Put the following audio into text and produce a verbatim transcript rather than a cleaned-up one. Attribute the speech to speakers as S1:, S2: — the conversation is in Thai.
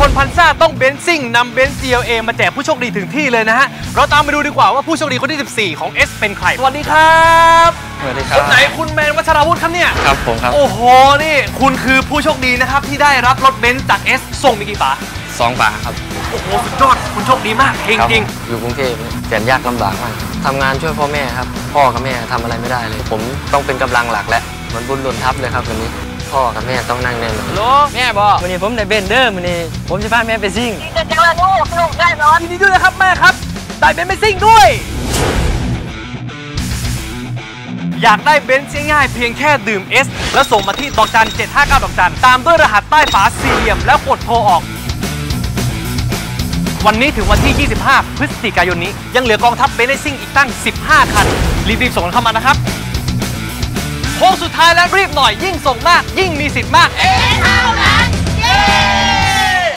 S1: คนพันซ่าต้องเบนซ์ซิ่งนำเบนซ์ จี แอล เอ มาแจกผู้โชคดีถึงที่เลยนะฮะเราตามไปดูดีกว่าว่าผู้โชคดีคนที่สิบสี่ของ S เป็นใครสวัสดีครับ
S2: สวัสดีครับ
S1: คนไหนคุณแมนวัชราวุฒิครับเนี่ย
S2: ครับผมครับ
S1: โอ้โหนี่คุณคือผู้โชคดีนะครับที่ได้รับรถเบนซ์จาก S ส่งมีกี่ฝา
S2: สองฝาครับ
S1: โอ้โหสุดยอดคุณโชคดีมากจริงจริง
S2: อยู่กรุงเทพแสนยากลำบากมากทำงานช่วยพ่อแม่ครับพ่อกับแม่ทำอะไรไม่ได้เลยผมต้องเป็นกำลังหลักและเหมือนบุญหล่นทับเลยครับวันนี้พ่อกับแม่ต้องนั่งแน่นอน
S1: โลแม่บอก
S3: วันนี้ผมได้เบนเดอร์วันนี้ผมจะพาแม่ไปซิ่ง
S4: จะจังเลยลูกลูกได้นอน
S1: ยินดีด้วยนะครับแม่ครับได้เบนซ์ไปซิ่งด้วยอยากได้เบนซ์ง่ายๆเพียงแค่ดื่ม S แล้วส่งมาที่ดอกจันเจ็ดห้าเก้าดอกจันตามด้วยรหัสใต้ฝาสี่เหลี่ยมแล้วกดโทรออกวันนี้ถึงวันที่ยี่สิบห้าพฤศจิกายนนี้ยังเหลือกองทัพเบนซ์ซิ่งอีกตั้งสิบห้าคันรีบๆส่งเข้ามานะครับโค้งสุดท้ายแล้วรีบหน่อยยิ่งส่งมากยิ่งมีสิทธิ์มากเอ๊ะเท่านั้นเย้